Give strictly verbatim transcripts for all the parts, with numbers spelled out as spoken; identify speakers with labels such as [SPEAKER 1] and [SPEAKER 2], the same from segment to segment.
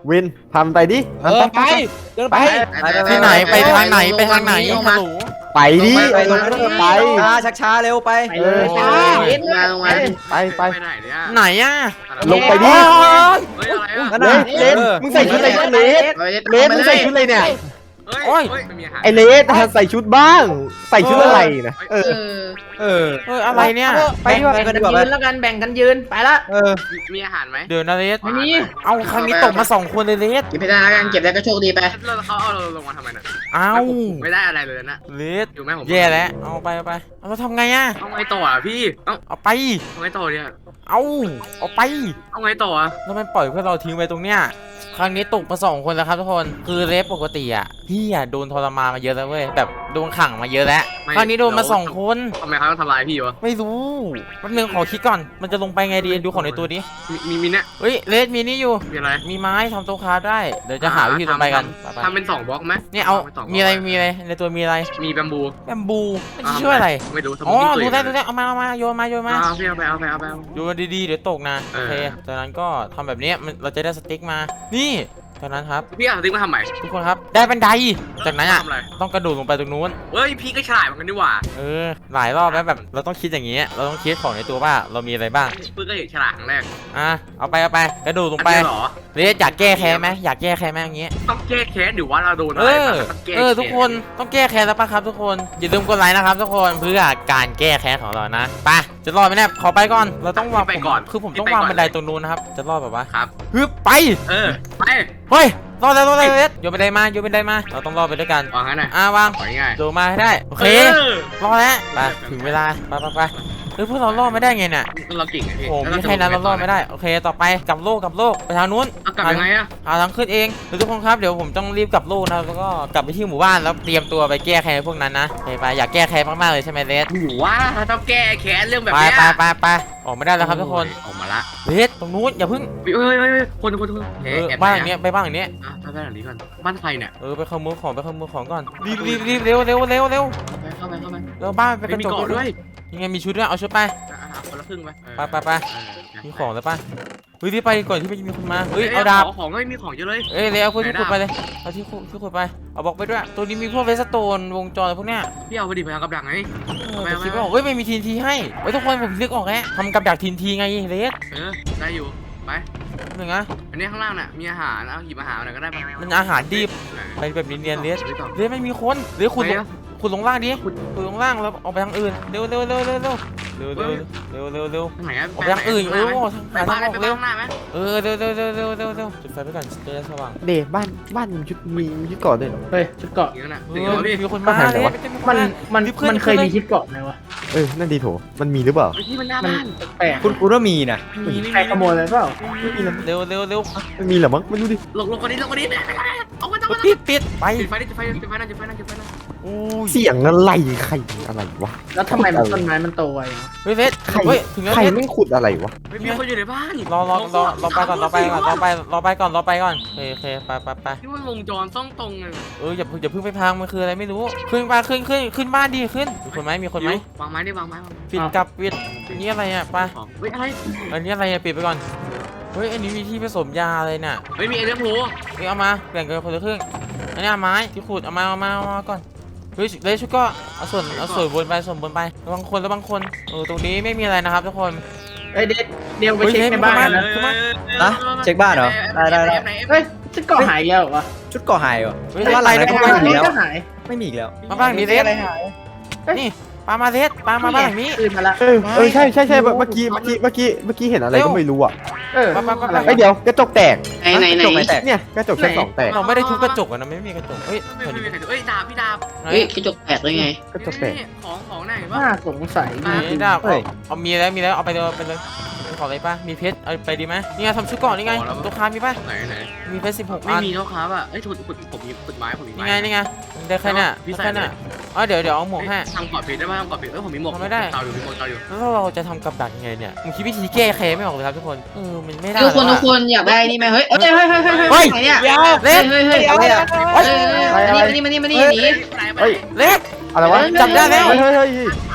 [SPEAKER 1] วินทำไปดิ
[SPEAKER 2] เออไปเดินไป
[SPEAKER 3] ที่ไหนไปทางไหนไปทางไหนฮัลโหล
[SPEAKER 1] ไปดิไปตรงนั้นไป
[SPEAKER 4] ช้าชักช้าเร็วไป
[SPEAKER 1] เออ
[SPEAKER 2] ช้า
[SPEAKER 5] มาลงมา
[SPEAKER 1] ไปไป
[SPEAKER 5] ไปไหนเนี่ย
[SPEAKER 3] ไหนอ่ะ
[SPEAKER 1] ลงไปดิ
[SPEAKER 5] เฮ้ยอะไรอ่ะ
[SPEAKER 1] เลสเลสมึงใส่ชุดอะไรเนี่ยเลสเลสมึงใส่ชุดอะไรเนี่ย
[SPEAKER 5] เฮ้ยไม่มีอาหาร
[SPEAKER 1] ไอเลสใส่ชุดบ้าง ใส่ชุดอะไรนะเออ
[SPEAKER 4] เออ
[SPEAKER 3] เฮ้ยอะไรเนี่ย
[SPEAKER 4] ไปดีกว่า
[SPEAKER 2] แบ่ง
[SPEAKER 4] ไป
[SPEAKER 2] กัน
[SPEAKER 4] ดีกว่า
[SPEAKER 2] ยื
[SPEAKER 4] ไป
[SPEAKER 2] นแล้วกันแบ่งกันยืนไปละ
[SPEAKER 4] เออ
[SPEAKER 5] มีอาหารไหม
[SPEAKER 3] เดี๋ยวนะเลส
[SPEAKER 2] ไม่มี
[SPEAKER 3] เอาครั้งนี้ตกมาสองคนเลยเลส
[SPEAKER 5] เก็บไม่ได้แล้วกันเก็บได้ก็โชคดีไปแล้วเขาเอาเราลงมาทำไมน่ะ
[SPEAKER 3] เอา
[SPEAKER 5] ไม่ได้อะไรเลยนะ
[SPEAKER 3] เลส
[SPEAKER 5] อยู่ไหมผม
[SPEAKER 3] แย่แล้วเอาไปเอาไปเอาเราทำไงอ่ะ
[SPEAKER 5] เอาไงต่ออ่ะพี่เอา
[SPEAKER 3] เอาไป
[SPEAKER 5] เอาไงต่อเนี่ย
[SPEAKER 3] เอาเอาไป
[SPEAKER 5] เอาไงต่ออ่ะ
[SPEAKER 3] แล้วมันปล่อยเพื่อเราทิ้งไว้ตรงเนี้ยครั้งนี้ตกมาสองคนแล้วครับทุกคนคือเลสปกติอ่ะพี่อ่ะโดนทรมานมาเยอะแล้วเว้ยแบบโดนขังมาเยอะแล้วครั้งนี้โดนมาสองคน
[SPEAKER 5] ทำไมเขาต้องทำลายพี่วะ
[SPEAKER 3] ไม่รู้แป๊บนึงขอคิดก่อนมันจะลงไปไงดีดูของในตัวดิ
[SPEAKER 5] มีมีมีเนี่ย
[SPEAKER 3] เฮ้ยเลสมีนี่อยู่
[SPEAKER 5] มีอะไร
[SPEAKER 3] มีไม้ทำโต๊ะคราฟได้เดี๋ยวจะหาวิธีลงไปกันไป
[SPEAKER 5] ทำเป็นสองบล็อกไหม
[SPEAKER 3] ๆเนี่ยเอามีอะไรมีอะไรในตัวมีอะไร
[SPEAKER 5] มีแบมบู
[SPEAKER 3] แบมบูมันจะช่วยอะไร
[SPEAKER 5] ไม่รู้
[SPEAKER 3] อ๋อรู้ได้รู้ได้เอามาเอามาโยนมาโยนมา
[SPEAKER 5] เอาพี่เอาไปเอาไปเอาไป
[SPEAKER 3] โยนดีๆเดี๋ยวตกนะ
[SPEAKER 5] เอ
[SPEAKER 3] โอ
[SPEAKER 5] อ
[SPEAKER 3] เคจากนั้นก็ทำแบบนี้มันเราจะได้สติ๊กมานี่จากนั้นครับ
[SPEAKER 5] พี่เอาสติ๊กมาทำใหม่
[SPEAKER 3] ทุกคนครับได้บันไดจากนั้นอ่ะ
[SPEAKER 5] ทำอะไร
[SPEAKER 3] ต้องกระโดดลงไปตรงนู้น
[SPEAKER 5] เฮ้ยพี่ก็ฉลาดเหมือนกันดีกว่า
[SPEAKER 3] เออหลายรอบแล้วแบบเราต้องคิดอย่างนี้เราต้องคิดของในตัวว่าเรามีอะไรบ้าง
[SPEAKER 5] ปื้ก็เห็นฉลาดครั้งแรก
[SPEAKER 3] อ่ะเอาไปเอาไปกระโดดลงไป
[SPEAKER 5] อันเดียวเหรอ
[SPEAKER 3] เรสอยากแก้แค้นไหมอยากแก้แค้นไหมอย่างงี้
[SPEAKER 5] ต้องแก้แค้นหรือว่าเราโดนอะ
[SPEAKER 3] เอ
[SPEAKER 5] ไร
[SPEAKER 3] อ
[SPEAKER 5] มาต้องแก้
[SPEAKER 3] เออทุกคนต้องแก้แค้นแล้วปะครับทุกคนอย่าลืมกดไลค์นะครับทุกคนเพื่อการแก้แค้นของเรานะไปจะรอดไหมเนี่ยขอไปก่อนเราต้องวาง
[SPEAKER 5] ไปก่อน
[SPEAKER 3] คือผมต้องวางบันไดตรงนู้นนะครับจะรอดแบบว่า
[SPEAKER 5] ครับ
[SPEAKER 3] ฮึบไป
[SPEAKER 5] เออไป
[SPEAKER 3] เฮ้ยรอดแล้วรอดแล้วเรสโยนบันไดมาโยนบันไดมาเราต้องรอดไปด้วยกัน
[SPEAKER 5] วางงั้นน่ะ
[SPEAKER 3] อ่ะวาง
[SPEAKER 5] ของ่าย
[SPEAKER 3] โดดมาให้ได้โอเครอดแล้วไปถึงเวลาไปไปไปเฮ้ยพวกเรารอดไม่ได้ไงเนี่ย
[SPEAKER 5] เราเก่งไงพี่
[SPEAKER 3] โอ้ไม่ใช่นั้นเรารอดไม่ได้โอเคต่อไปกลับโลกกลับโลกไปทางนู้น
[SPEAKER 5] เอากลับยังไงอะ
[SPEAKER 3] หาทางขึ้นเองเดี๋ยวทุกคนครับเดี๋ยวผมต้องรีบกลับโลกนะแล้วก็กลับไปที่หมู่บ้านแล้วเตรียมตัวไปแก้แค้นพวกนั้นนะไปไปอยากแก้แค้นมากๆเลยใช่ไหมเรส
[SPEAKER 5] หนูว่าต้องแก้แค้นเรื่องแบบ
[SPEAKER 3] ไป
[SPEAKER 5] เนี้ย
[SPEAKER 3] ไปไปไปออกไม่ได้แล้วครับทุกคน
[SPEAKER 5] ออกมาละ
[SPEAKER 3] เรสตรงนู้นอย่าเพึ่ง
[SPEAKER 5] เฮ้ยเฮ้ยเฮ้ยคนคนคน
[SPEAKER 3] เออบ้านหลังเนี้ยไปบ้านหลังเนี้ย
[SPEAKER 5] อ่ะไปบ้านหลังนี้ก่อนบ้านใครเนี่ย
[SPEAKER 3] เออไปขโมยของไปขโมยของก่อนรีบรีบรีบเร็วเร็วเร็วเร็ว
[SPEAKER 5] เข้าไปเข้าไป
[SPEAKER 3] เร็วบ้านไปก
[SPEAKER 5] ไม่
[SPEAKER 3] ระ
[SPEAKER 5] มี
[SPEAKER 3] จก
[SPEAKER 5] เกาะด้วย
[SPEAKER 3] ยังไงมีชุดด้วยเอาชุดไป
[SPEAKER 5] อ่ะอ่ะคนละครึ่งไป
[SPEAKER 3] ไปไปไป มีของแล้วป่ะเฮ้ยรีบไปก่อนที่จะมีคนมาเฮ้ยเอาดาบ
[SPEAKER 5] ของก็ไม่มีของเยอะเลย
[SPEAKER 3] เอ้ยเลยเอาพวกที่ขุดไปเลยเอาที่ขุดที่ขุดไปเอาบล็อกไปด้วยตัวนี้มีพวกเวสโตนวงจรอะไรพวกเนี้ย
[SPEAKER 5] พี่เอาไปดิไปเอากับดักไง
[SPEAKER 3] เออแต่คิดไม่ออกเฮ้ยไม่มีทีนทีให้เฮ้ยทุกคนผมนึกออกแล้วทำกับดักทีนทีไงเลส
[SPEAKER 5] เออได้อยู่ไป
[SPEAKER 3] หนึ่งนะ
[SPEAKER 5] อันนี้ข้างล่างน่ะมีอาหารเอาหยิบอาหารอะไรก็ได้
[SPEAKER 3] มันอาหารดิบไปแบบเนียนๆเลสเลสไม่มีคนเลสขุดลงขุดลงล่างดิขุดลงล่างแล้วออกไปทางอื่นเร็วเร็วเร็วเร็วเร็วเร็วเร็วเร็วเร็วเร็ว
[SPEAKER 5] ทางไหนอะ
[SPEAKER 3] ออกไปทางอื่นเออ
[SPEAKER 5] ไป
[SPEAKER 3] หา
[SPEAKER 5] บ้า
[SPEAKER 3] ทาน งออก
[SPEAKER 5] ไป
[SPEAKER 3] เร็ว
[SPEAKER 5] ข้างหน้าไหม
[SPEAKER 3] เออเร็วเร็วเร็วเร็วเร็วเร็วจุดไฟไปก่อนจะได้สว่าง
[SPEAKER 1] เดบ้านบ้านมีชุดมีมีชุดเกาะด้วยเหรอ
[SPEAKER 2] เฮ้ยชุดเกาะ
[SPEAKER 5] อย่างนั้นน่ะ
[SPEAKER 3] เอ
[SPEAKER 5] ถึง
[SPEAKER 3] อ
[SPEAKER 5] แล้วพี่
[SPEAKER 3] มีคนมาเลส
[SPEAKER 2] มันมันมันเคยมีชุดเกาะไหมวะ
[SPEAKER 1] เออนั่นดีโถมันมีหรือเปล่า
[SPEAKER 5] ที่มันหน้าบ้าน
[SPEAKER 2] แปลก
[SPEAKER 4] คุณกูว่ามีนะ
[SPEAKER 5] มีมี
[SPEAKER 2] ใครขโมยไปเปล่า
[SPEAKER 3] เร็วเร็วเร็ว
[SPEAKER 1] มันมีเหรอมั้งไม่รู้ดิ
[SPEAKER 5] ลงลงคนนี้ลงคนนี้เอามาเอามา
[SPEAKER 3] ปิดปิดไป
[SPEAKER 5] จุดไฟดิจุดไฟจุดไฟนั่นจุดไฟนั่นจุดไฟนั่น
[SPEAKER 3] อู้ย
[SPEAKER 1] เสียงอะไรใครอะไรวะ
[SPEAKER 2] แล้วทำไมมันต้นไม้มันโตไววะ
[SPEAKER 3] เฮ้ยเลส
[SPEAKER 1] ใคร
[SPEAKER 3] เฮ้ยถึงแล้ว
[SPEAKER 1] ใคร
[SPEAKER 3] เลส
[SPEAKER 1] ไม่ขุดอะไรวะ
[SPEAKER 5] มีคนอยู่ในบ้าน
[SPEAKER 3] รอรอรอรอไปก่อนรอไปก่อนรอไปรอไปก่อนรอไปก่อนโอเคโอเคไปไปไป
[SPEAKER 5] ที่ว่าวงจรต้องตรงเลย
[SPEAKER 3] เอออย่าอย่าเพิ่งไปพังมันคืออะไรไม่รู้ขึ้นมาขึ้นขึ้นขึ้นบ้านดีขึ้นมีคนไหมมีคนไหม
[SPEAKER 5] วางไม้ดิวางไม้วาง
[SPEAKER 3] ปิดกับปิดอันนี้อะไรอ่ะไป
[SPEAKER 5] ของเฮ้ยอะไร
[SPEAKER 3] อันนี้อะไรอ่ะปิดไปก่อนเฮ้ยอันนี้มีที่ผสมยาอะไรน่ะ
[SPEAKER 5] เฮ้ยมีเอเดอร์โพ
[SPEAKER 3] เฮ้ยเอามาแบ่งกันคนละครึ่งอันนี้ไม้ที่ขุดเอามาเอามาเอามาก่อนเฮ้ยเลยชุดก็เอาส่วนเอาส่วนบนไปส่วนบนไประวังคนระวังคนเออตรงนี้ไม่มีอะไรนะครับทุกคน
[SPEAKER 2] เฮ้ยเด็ดเดี๋ยวไปเช็คในบ้านนะ
[SPEAKER 4] นะเช็คบ้านเหรอได้ได้ได้
[SPEAKER 2] เฮ้ยชุดเกาะหายเยอะเหรอวะ
[SPEAKER 4] ชุดเกาะหายเหรอ
[SPEAKER 3] เฮ้ย
[SPEAKER 4] ว่าอะไรนะ
[SPEAKER 3] ก็
[SPEAKER 4] ก็
[SPEAKER 3] ไม่
[SPEAKER 4] ไม่
[SPEAKER 3] มี
[SPEAKER 4] มี
[SPEAKER 3] แล้ว
[SPEAKER 4] แล้ว
[SPEAKER 2] ก็หาย
[SPEAKER 4] ไม่มีอีกแล้ว
[SPEAKER 3] มาบ้างนี้เลสนี่ปลามาเลสปลามาบ้านหลังนี้
[SPEAKER 2] คืนมาละ
[SPEAKER 1] เออเออใช่ใช่ใช่เมื่อกี้เมื่อกี้เมื่อกี้เมื่อกี้เห็นอะไรก็ไม่รู้อ่ะ
[SPEAKER 2] เออ
[SPEAKER 3] ปลาปลาปลา
[SPEAKER 1] ไอเดี๋ยวกระจกแตก
[SPEAKER 5] ไหนไหนไหน
[SPEAKER 4] จบไหมแตก
[SPEAKER 1] เนี่ยกระจกชั้นสองแตก
[SPEAKER 3] เราไม่ได้ทุบกระจกอะนะไม่มีกระจกเฮ้ย
[SPEAKER 5] ไม่มีใครดูเอ้ยดาบพี่ดาบ
[SPEAKER 3] ไหน
[SPEAKER 6] เฮ้ยกระจกแตกได้ไง
[SPEAKER 1] กระจกแตก
[SPEAKER 5] ของของไหนบ้า
[SPEAKER 2] น่าสงสัย
[SPEAKER 3] นี่ดาบเอาเอามีแล้วมีแล้วเอาไปเลยเอาไปเลยมีของอะไรป่ะมีเพชรเอาไปดีไหมนี่ไงทำชุดก่อนนี่ไงตัวค้ามีป่ะ
[SPEAKER 5] ไหนไหน
[SPEAKER 3] มีเพชรสิบหก
[SPEAKER 5] ไม่
[SPEAKER 3] อัน
[SPEAKER 5] มีเท่าครับอ่ะเอ้ยถุดขุดผมมีขุดไม้ผมมี
[SPEAKER 3] นี่ไงนี่ไงได้แค่น่ะได้แค่น่ะอ๋อเดี๋ยวเดี๋ยวเอาหมวกให้
[SPEAKER 5] ทำกอดเพชรได้ป่ะทำกอดเพชรเอ้ยผมมีหมวกเตาอยู่มีหมวกเตาอยู่
[SPEAKER 3] แล้วเราจะทำกับดักยังไงเนี่ยมึงคิดวิธีแก้แค้นไม่ออกเลยครับทุกคนเออมันไม่ได้
[SPEAKER 6] ทุกคนทุกคนอยากได้นี่ไหมเฮ้ยเฮ้ยเฮ้ยเฮ้ยเฮ้ยไหนเนี่ย
[SPEAKER 3] เล็ก
[SPEAKER 6] เฮ้ยเฮ้ย
[SPEAKER 4] อะไรอ่ะ
[SPEAKER 6] เฮ้ยอันนี้มานี่มานี่มานี่หนี
[SPEAKER 1] เฮ้ย
[SPEAKER 3] เล็ก
[SPEAKER 1] อะไรวะ
[SPEAKER 3] จับได้แล้ว
[SPEAKER 1] เฮ้ยเฮ้ยเฮ้ย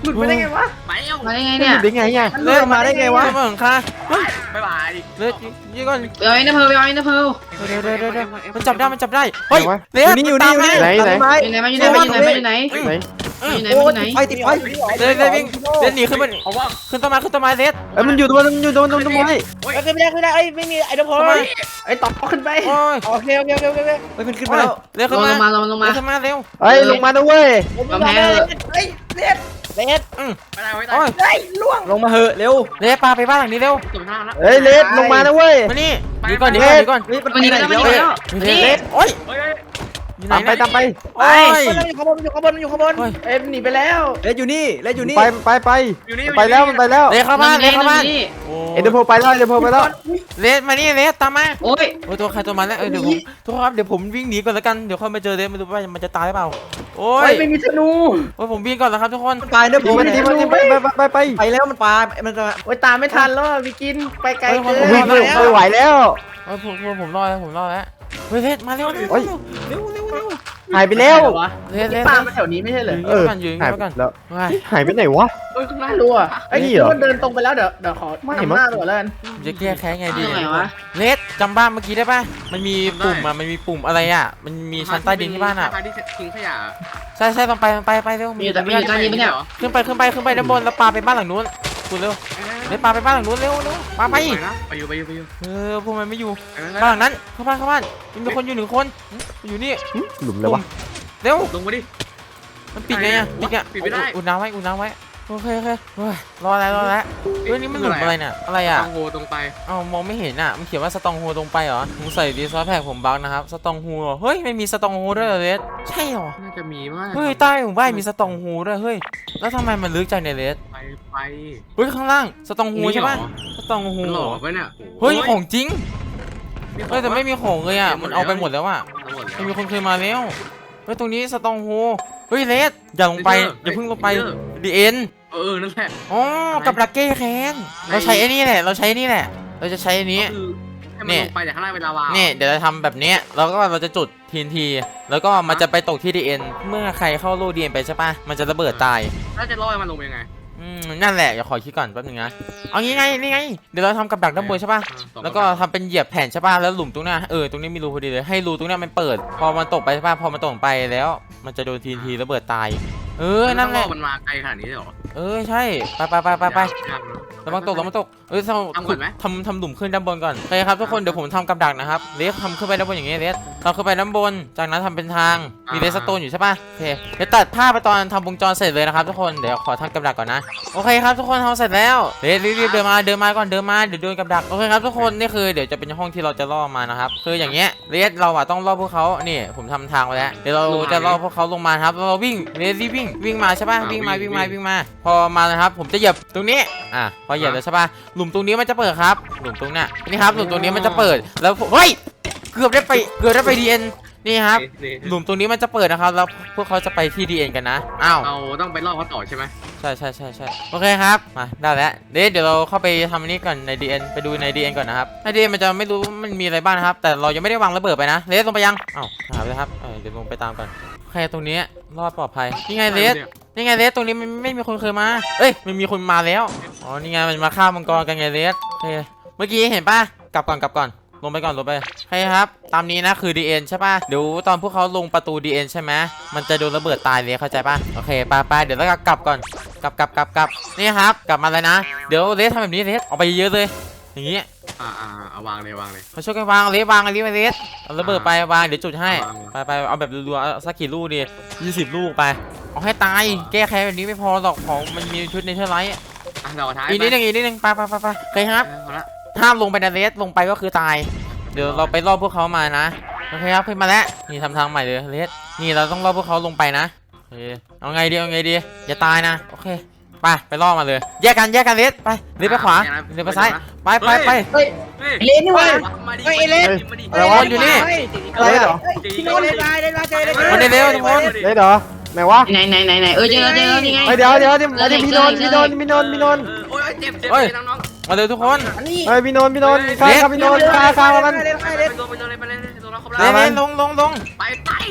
[SPEAKER 2] หลุดไปได้ไงวะ
[SPEAKER 5] ไปเอ้า
[SPEAKER 6] มาได้ไง
[SPEAKER 1] เนี่
[SPEAKER 6] เนี่ย ย
[SPEAKER 1] ได้ไงอ่ะ
[SPEAKER 3] เลสมาได้ไงวะมาหลังคา
[SPEAKER 5] บ๊ายบาย
[SPEAKER 3] เลสยี่ก่อน
[SPEAKER 6] ไปเอาอินเตอร์เพลไปเอาอินเตอร์เพล
[SPEAKER 3] เดี๋ยวเดี๋ยวเดี๋ยวเดี๋ยวมันจับได้มันจับได้เฮ้ยเล
[SPEAKER 4] อ
[SPEAKER 3] ส
[SPEAKER 4] ยู่นี่อยู่นี่อยู่นี่
[SPEAKER 1] ไหนไหน
[SPEAKER 4] ไม้
[SPEAKER 6] อยู่ไหนมาอยู่ไหนมาอยู่ไหนมาอยู่ไหน
[SPEAKER 1] ไหน
[SPEAKER 6] มาอยู่ไหน
[SPEAKER 3] เอ้ย
[SPEAKER 6] มา
[SPEAKER 4] โอ้
[SPEAKER 6] อยู่ไหน
[SPEAKER 4] ติดไฟติดไฟ
[SPEAKER 3] เลสเลสวิ่งเลสหนีขึ้นมัน
[SPEAKER 5] เอาว่า
[SPEAKER 3] ขึ้นต้นไม้ขึ้นต้นไม้เลส
[SPEAKER 1] เอ้ยมันอยู่ตรงนั้นมันอยู่ตรงนั้นตรงไม้
[SPEAKER 7] ขึ้นไม่ได้ขึ้นไม่ได้เอ้ยไม่มีไอ้ดอกพอ
[SPEAKER 3] ต้นไม้
[SPEAKER 2] ไอ้ต่อขึ้นไป
[SPEAKER 3] โอ้ย
[SPEAKER 7] โอเคโอเคโอเคโอเคโอเค
[SPEAKER 4] เฮ้ยมันขึ้นมาแล้ว
[SPEAKER 3] เลส
[SPEAKER 6] ล
[SPEAKER 3] ขึ้น
[SPEAKER 6] ง
[SPEAKER 3] มา
[SPEAKER 6] มาลงมาลง
[SPEAKER 3] เล
[SPEAKER 6] มา
[SPEAKER 3] สขึ้นมาเร็ว
[SPEAKER 1] เอ้ยลงมานะเว้ย
[SPEAKER 7] ผมไม่ได้เลยเฮ้ยเล็ดเล็ด
[SPEAKER 5] ไม่ได้ไม่ได้
[SPEAKER 3] โอ้ย
[SPEAKER 7] เฮ้ยล่วง
[SPEAKER 4] ลงมาเหอะเร็ว
[SPEAKER 3] เลสปาไปบ้านหลังนี้เร็ว
[SPEAKER 5] จบท่าแล้ว
[SPEAKER 1] เอ้ยเลสลงมานะเว้ย
[SPEAKER 3] มานี่หนีก่อนหนีก่อนหนีก่อน
[SPEAKER 4] เฮ้ยมัน
[SPEAKER 6] วันนี้
[SPEAKER 4] ไป
[SPEAKER 6] ไม่
[SPEAKER 4] ไหน
[SPEAKER 6] ได้ไม่
[SPEAKER 4] แล้ว
[SPEAKER 6] ได้แล้ว
[SPEAKER 3] เลสโอ้ย
[SPEAKER 5] เฮ้ยเฮ้ย
[SPEAKER 3] อยู่ไหน
[SPEAKER 1] ตามไป
[SPEAKER 3] เนี่ย
[SPEAKER 1] ตามไป
[SPEAKER 3] โอ้ย
[SPEAKER 7] มันอยู่ข้างบนมันอยู่ข้างบนมันอยู่ข้างบน
[SPEAKER 3] โอ้ย
[SPEAKER 2] เอ้ยหนีไปแล้ว
[SPEAKER 4] เล่นอยู่นี่เล่นอยู่นี่
[SPEAKER 1] ไปไปไป
[SPEAKER 5] อยู่นี่
[SPEAKER 1] ไปแล้วมันไปแล้ว
[SPEAKER 3] เลสเข้าบ้านเลสเข้าบ้าน
[SPEAKER 6] นี่
[SPEAKER 3] โอ้
[SPEAKER 1] เอ็นเดอร์โพไปแล้วเอ็นเดอร์โพไปแล้ว
[SPEAKER 3] เลสมานี่เลสตามมา
[SPEAKER 6] โอ้ย
[SPEAKER 3] โอ้ยตัวใครตัวมันแล้วเออเดี๋ยวผมทุกคนครับเดี๋ยวผมวิ่งหนีก่อนแล้วกันเดี๋ยวค่อยมาเจอเลสไม่รู้ว่ามันจะตายหรือเปล่าโอ้
[SPEAKER 2] เฮ้
[SPEAKER 3] ย
[SPEAKER 2] ยไม่มีธนู
[SPEAKER 3] โอ้ยผมวิ่งก่อนแล้วครับทุกคน
[SPEAKER 4] มันไปเนอะผ
[SPEAKER 1] ดี
[SPEAKER 4] ม
[SPEAKER 1] มันดีมันดีไปไปไปไป
[SPEAKER 4] ไปแล้วมันปลามันจะ
[SPEAKER 2] โอ้ยตามไม่ทันแล้วพี่กินไปไกลเกิน
[SPEAKER 1] วิ่งไม่ไม่ไหวแล้ว
[SPEAKER 3] โอ้ยผมผมผมรอแล้วผมรอแล้วเฮ้ยเลสมาเร็วเร็ว
[SPEAKER 1] โอ้ย
[SPEAKER 3] เร็วเร็วเร็ว
[SPEAKER 1] หายไปแล้ว
[SPEAKER 2] วะ
[SPEAKER 3] เลสเลส
[SPEAKER 2] ปลามาแถวนี้ไม่ใช่เหรอ
[SPEAKER 1] เออ
[SPEAKER 3] ยืน
[SPEAKER 1] หาย
[SPEAKER 3] ก่อน
[SPEAKER 1] ไป
[SPEAKER 3] ยืน
[SPEAKER 1] แล้ว
[SPEAKER 3] ว้าย
[SPEAKER 1] หายไปไหนวะ
[SPEAKER 5] เฮ้ยข้างหน้า
[SPEAKER 2] ไม่รู้อ่ะไอ้
[SPEAKER 1] นี่
[SPEAKER 2] นี่
[SPEAKER 1] เหรอ
[SPEAKER 2] มันเดินตรงไปแล้วเดี๋ยวเดี๋ยวขอ
[SPEAKER 1] ไม่
[SPEAKER 2] นำหน้าตัวแล้วกัน
[SPEAKER 3] ผมจะแก้แค้นไงดี
[SPEAKER 6] ตรงไหนวะ
[SPEAKER 3] เลสจำบ้านเมื่อกี้ได้ป่ะมันมีปุ่มอ่ะมันมีปุ่มอะไรอ่ะมันมีชั้นใต้ดินที่บ้านอ่ะ
[SPEAKER 5] ทางที่ทิ้งขยะ
[SPEAKER 3] ใช่ใช่ต้องไปต้องไปไปเร็ว
[SPEAKER 6] มีแต่มีแต่ตอนนี้ไม่ใช่เหรอ
[SPEAKER 3] ขึ้นไปขึ้นไปขึ้นไปด้านบนแล้วปาไปบ้านหลังนู้นคุณเร็วเลสปาไปบ้านหลังนู้นเร็วเร็วปาไป
[SPEAKER 5] นะไปอยู่ไปอยู่ไปอยู่
[SPEAKER 3] เออพวกมันไม่อยู่
[SPEAKER 5] ไปไป
[SPEAKER 3] บ้านหลังนั้นเข้าบ้านเข้าบ้านมีคนอยู่หนึ่งคนอยู่นี่
[SPEAKER 1] หลุมเลยวะ
[SPEAKER 3] เร็ว
[SPEAKER 5] ลงมาดิ
[SPEAKER 3] มันปิดไงอ่ะปิดอ่ะ
[SPEAKER 5] ปิดไม่ได้
[SPEAKER 3] อุ่นน้ำไว้อุ่นน้ำไว้โอเคโอเคเฮ้ยรอแล้วรอแล้วเฮ้ยนี่มันหลุมอะไรเนี่ยอะไรอ่ะ
[SPEAKER 5] ต้องโหตรงไป
[SPEAKER 3] เอ้ามองไม่เห็นอ่ะมันเขียนว่าสตองโฮตรงไปเหรอผมใส่ดีซอสแพ็กผมบักนะครับสตองโฮเฮ้ยไม่มีสตองโฮด้วยเหรอเลสใช่เหรอ
[SPEAKER 5] น่าจะมีมาก
[SPEAKER 3] เฮ้ยใต้หมู่บ้านมีสตองโฮด้วยเฮ้ยแล้วทำไมมันลึกจังเนี่ยเลส
[SPEAKER 5] ไปไป
[SPEAKER 3] เฮ้ยข้างล่างสตองโฮใช่ปะสตองโฮ
[SPEAKER 5] หลอกไว้เนี่ย
[SPEAKER 3] เฮ้ยของจริงเฮ้ยแต่ไม่มีของเลยอ่ะมันเอาไปหมดแล้วอ่ะ
[SPEAKER 5] หมดแล้ว
[SPEAKER 3] ไม่มีคนเคยมาแล้วเฮ้ยตรงนี้สตองโฮเฮ้ยเลสอย่าลงไปอย่าเพิ่งลงไปดีเอ็น
[SPEAKER 5] เออนั่นแหละ
[SPEAKER 3] อ๋อกับดักเก้แคนเราใช้ไอ้นี่แหละเราใช้นี่แหละ เราจะใช้อันนี้
[SPEAKER 5] คือให้มันลงไปแต่ข้างล่างเป็นลาวา
[SPEAKER 3] นี่เดี๋ยวเราทำแบบนี้แล้วก็เราจะจุดทีนทีแล้วก็มันจะไปตกที่ดีเอ็นเมื่อใครเข้าโลดีเอ็นไปใช่ปะมันจะระเบิดตาย
[SPEAKER 5] แล้วจะล่อให้มันลงไปยังไง
[SPEAKER 3] อืมนั่นแหละอย่าขอคิดก่อนแป๊บนึงนะเอางี้ไงนี่ไงเดี๋ยวเราทำกับดักด้านบนใช่ปะแล้วก็ทำเป็นเหยียบแผ่นใช่ปะแล้วหลุมตรงเนี้ยเออตรงนี้มีรูพอดีเลยให้รูตรงเนี้ยมันเปิด พอมันตกไปใช่ปะพอมันตกไปแล้ว มันจะโดนทีนทีระเบิดตาย เออนั่นแหละ
[SPEAKER 5] มันมาไกลขนาดนี้เลยเหรอ
[SPEAKER 3] เออใช่ไปไปไปไปไป
[SPEAKER 5] ยากนะ
[SPEAKER 3] ระวังตกระวังตกเอ้ยท
[SPEAKER 5] ทำก่อนไหม
[SPEAKER 3] ำทำทำหลุมขึ้นด้านบนก่อนโอเคครับทุกคนเดี๋ยวผมทำกับดักนะครับเลสทำขึ้นไปด้านบนอย่างงี้เลสทำขึ้นไปด้านบนจากนั้นทำเป็นทางมีเลสสโตนอยู่ใช่ปะโอเคเดี๋ยวตัดภาพไปตอนทำวงจรเสร็จเลยนะครับทุกคนเดี๋ยวขอทำกับดักก่อนนะโอเคครับทุกคนทำเสร็จแล้วเลสรีบๆเดินมาเดินมาก่อนเดินมาเดี๋ยวโดนกับดักโอเคครับทุกคนนี่คือเดี๋ยวจะเป็นห้องที่เราจะล่อมานะครับคืออย่างเงี้ยเลสเราอะต้องล่อพวกเขานี่ผมทำทางไว้แล้วเดี๋ยวเราจะล่อพวกเขาลงมาครับเราวิ่งเลสรีบวิ่งวิ่งมาใช่ปะวิ่งมาวิ่งมาวิ่งมาพอมานะครับผมจะเหยียบตรงนี้อ่ะพอเหยียบแล้วใช่ปะหลุมตรงนี้มันจะเปิดครับหลุมตรงเนี้ยนี่ครับหลุมตรงนี้มันจะเปิดแล้วผมเฮ้ยเกือบได้ไปเกือบได้ไปดีเอ็นนี่ครับหลุมตรงนี้มันจะเปิดนะครับแล้วพวกเขาจะไปที่ดีเอ็นกันนะอ้าว
[SPEAKER 5] เราต้องไปล่อเขาต่อใช่ไหม
[SPEAKER 3] ใช่ใช่ใช่ใช่โอเคครับมาได้แล้วเดี๋ยวเดี๋ยวเราเข้าไปทำอันนี้ก่อนใน ดี เอ็น ไปดูใน ดี เอ็น ก่อนนะครับใน ดี เอ็น มันจะไม่รู้มันมีอะไรบ้างนะครับแต่เรายังไม่ได้วางระเบิดไปนะเลสลงไปยังอ้าวหาไปแล้วครับเออเดี๋ยวลงไปตามกันโอเคตรงนี้รอดปลอดภัยนี่ไงเลสนี่ไงเลสตรงนี้มันไม่มีคนเคยมาเอ้ยมันมีคนมาแล้วอ๋อนี่ไงมันมาฆ่ามังกรกันไงเลสโอเคเมื่อกี้เห็นป่ะกลับก่อนกลับก่อนลงไปก่อนลงไปโอเคครับตามนี้นะคือ ดี เอ็น ใช่ป่ะเดี๋ยวตอนพวกเขาลงประตู ดี เอ็น ใช่ไหมมันจะโดนระเบิดตายเลยเข้าใจป่ะโอเคไปไปเดี๋ยวเรากลับก่อนกลับกลับกลับกลับนี่ครับกลับมาเลยนะเดี๋ยวเลสทำแบบนี้เลสเอาไปเยอะเลยอย่างงี้
[SPEAKER 5] อ่าอ่าเอาวางเลยวางเลย
[SPEAKER 3] มาช่วยกันวางเลสวางอันนี้ไปเลสเอาระเบิดไปวางเดี๋ยวจุดให้
[SPEAKER 5] วาง
[SPEAKER 3] ไปไปเอาแบบรัวๆเอาสักกี่ลูกดียี่สิบลูกไปเอาให้ตายแก้แค้นแบบนี้ไม่พอหรอกของมันมีชุดในเทอร์ไลท์
[SPEAKER 5] อ่ะเราท้าย
[SPEAKER 3] อีกนิดนึงอีกนิดนึงไปไปไปไปโอเคครับ
[SPEAKER 5] พอละ
[SPEAKER 3] ห้ามลงไปนะเลสลงไปก็คือตายเดี๋ยวเราไปล่อพวกเขามานะโอเคครับขึ้นมาแล้วนี่ทำทางใหม่เลยเลสนี่เราต้องล่อพวกเขาลงไปนะโอเคเอาไงดีเอาไงดีอย่าตายนะโอเคไปไปล่อมาเลยแยกกันแยกกันเลสไปเลสไปขวาเลสไปซ้ายไปไปไป
[SPEAKER 7] เฮ้ย
[SPEAKER 5] เฮ้ย
[SPEAKER 7] เล่นนี่วะ
[SPEAKER 5] มาดิ
[SPEAKER 7] เฮ้ยไอ้เล่น
[SPEAKER 5] มาดิ
[SPEAKER 1] อะไรวะ
[SPEAKER 3] อยู่นี่
[SPEAKER 1] อะไรเหรอ
[SPEAKER 7] ที่โน้นเล่นได้เล่นได้เจอได้เจอ
[SPEAKER 3] มันได้เร็วทุกคน
[SPEAKER 1] เลสเหรอไหนวะ
[SPEAKER 6] ไหนไหนไหนไหนเออเจอแล้วเจอแล้วนี่ไง
[SPEAKER 1] เฮ้ยเดี๋ยวเดี๋ยวเดี๋ยวเดี๋ยวพี่นนท์พี่นนท์พี่นนท์พี่นนท์
[SPEAKER 5] โอ้ยเจ็บเจ็บน้อง
[SPEAKER 3] มาเลยทุกคน
[SPEAKER 7] อันนี้
[SPEAKER 1] เฮ้ยพี่นนท์พี่นนท์ฆ่าฆ่าพี่นนท์ฆ่าฆ่ามัน
[SPEAKER 7] เล่น
[SPEAKER 5] ๆ
[SPEAKER 7] ได้
[SPEAKER 5] ไป
[SPEAKER 7] เล่น
[SPEAKER 5] โดนไปโดนไปเลยโดนเราครบ
[SPEAKER 3] เล
[SPEAKER 5] แล้ว
[SPEAKER 3] สลงลงลง
[SPEAKER 5] ไปไปจะตายแล้ว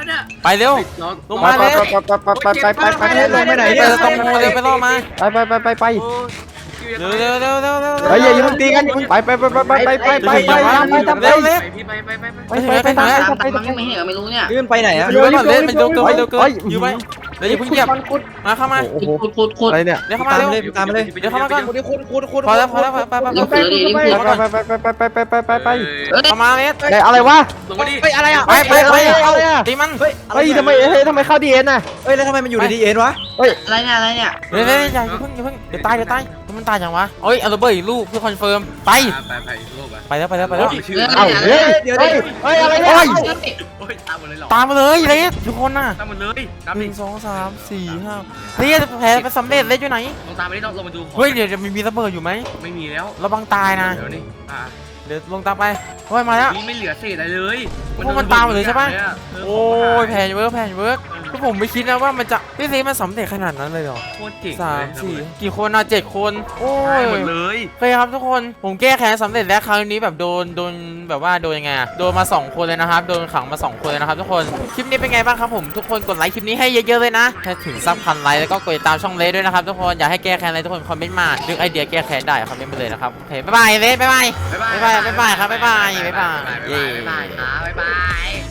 [SPEAKER 5] เนี่ย
[SPEAKER 3] ไปเร็ว
[SPEAKER 5] น้อง
[SPEAKER 3] ลงมาเลย
[SPEAKER 1] ไปไปไปไปไปไป
[SPEAKER 4] ลงไปไหน
[SPEAKER 3] ไป
[SPEAKER 4] เนี่ย
[SPEAKER 3] ตรงโมเร็วไปล่อมา
[SPEAKER 1] ไปไปไปไป
[SPEAKER 5] โอ้ย
[SPEAKER 3] เร็วเร็วเร็วเร็วเร็ว
[SPEAKER 1] เฮ้ยอย่าอย่าเพิ่งตีกันไปไปไปไปไปไปไปไปไป
[SPEAKER 3] เร็วเร็ว
[SPEAKER 5] ไปพี่ไปไปไปไป
[SPEAKER 1] ไปไปไปไป
[SPEAKER 6] ตามตามมันไม่เห็นไม่รู้เนี่ย
[SPEAKER 4] ลื่นไปไหนอะ
[SPEAKER 3] อยู่ไว้ก่อนเล่นมันเร็วเกินเร็วเกินอยู่ไว้เดี๋ยวอย่าเพิ่งเหยียบมาเข้ามา
[SPEAKER 1] โอ้โห
[SPEAKER 6] ขุดขุดขุด
[SPEAKER 1] อะไรเนี่ย
[SPEAKER 3] เดี๋ยวเข้ามา
[SPEAKER 4] ตาม
[SPEAKER 3] เร็ว
[SPEAKER 4] เลยตามมาเลย
[SPEAKER 3] เดี๋ยวเข้ามาก่อน
[SPEAKER 7] คุณดิคุณคุณคุณ
[SPEAKER 3] พอแล้วพอแล้วไปไปไป
[SPEAKER 6] รีบขุดเลยดิรีบขุด
[SPEAKER 1] ไปไปไปไปไปไปไปไป
[SPEAKER 6] เอ้ย
[SPEAKER 3] เข้ามาเลส
[SPEAKER 1] ไหนอะไรวะ
[SPEAKER 5] ลงมาดิ
[SPEAKER 7] เฮ้ยอะไรอ่ะ
[SPEAKER 3] ไปไปไป
[SPEAKER 1] อะไรอะ
[SPEAKER 3] ตีมัน
[SPEAKER 4] เฮ้ย
[SPEAKER 1] เฮ้ยทำไมเฮ้ยทำไมเข้าดีเอ็นน่ะ
[SPEAKER 4] เฮ้ยแล้วทำไมมันอยู่ในดีเอ็นวะ
[SPEAKER 6] อะไรเนี่ยอะไรเนี่ย
[SPEAKER 3] เดี๋ยวเดี๋ยวอย่าอย่าเพิ่งอย่าเพิ่งเดี๋ยวตายเดี๋ยวตายมันตายอย่างวะเอ้ยเอาระเบิดอีกลูกเพื่อคอนเฟิร์มไป
[SPEAKER 5] ไปไปลูกไป
[SPEAKER 3] ไปแล้วไปแล้วไปแล้ว
[SPEAKER 5] ชื่อ
[SPEAKER 1] เอ้าเฮ้ยเดี๋ยวดิเฮ้ยอะไรเนี่ย
[SPEAKER 5] โอ้ยตามหมดเลยหรอ
[SPEAKER 3] ตามมาเลยเลสทุกคนน่ะ
[SPEAKER 5] ตามหมดเลยตาม
[SPEAKER 3] ห
[SPEAKER 5] ดิ
[SPEAKER 3] นึ่งสองสามสี่ห้าเลสแผลไปสำเร็จเลสอยู่ไหน
[SPEAKER 5] ลงตามไปดิลงมาดู
[SPEAKER 3] เฮ้ยเดี๋ยวจะมีมีระเบิดอยู่ไหม
[SPEAKER 5] ไม่มีแล้ว
[SPEAKER 3] ระวังตายนะ
[SPEAKER 5] เดี๋ยวนี่อ่า
[SPEAKER 3] เดี๋ยวลงตามไปเฮ้ยมาแล้ว
[SPEAKER 5] นี่ไม่เหลือเศษอะไรเลย
[SPEAKER 3] พวกมันตามหมดเลยใช่ปะ โอ้ยแผนเวิร์กแผนเวิร์กก็ผมไม่คิดนะว่ามันจะพี่ซีมันสำเร็จขนาดนั้นเลยเหรอ
[SPEAKER 5] โคตรเจ๋ง
[SPEAKER 3] สามสี่กี่คนอ่ะเจ็ดคนโอ้
[SPEAKER 5] ใช่
[SPEAKER 3] ย
[SPEAKER 5] หมดเลย
[SPEAKER 3] โอเคครับทุกคนผมแก้แค้นสำเร็จแล้วครั้งนี้แบบโดนโดนแบบว่าโดนยังไงอะโดนมาสองคนเลยนะครับโดนขังมาสองคนเลยนะครับทุกคนคลิปนี้เป็นไงบ้างครับผมทุกคนกดไลค์คลิปนี้ให้เยอะๆเลยนะถ้าถึงซับพันไลค์แล้วก็กดติดตามช่องเลสด้วยนะครับทุกคนอยากให้แก้แค้นอะไรทุกคนคอมเมนต์มานึกไอเดียแก้แค้นได้คอมเมนต์มาเลยนะครับโอเคบ๊ายบายเลสบ๊ายบาย
[SPEAKER 5] บ๊ายบาย
[SPEAKER 3] บ๊ายบายบ๊ายบายครับบ๊ายบายบ๊ายบาย
[SPEAKER 5] บ๊ายบายครับบ๊ายบาย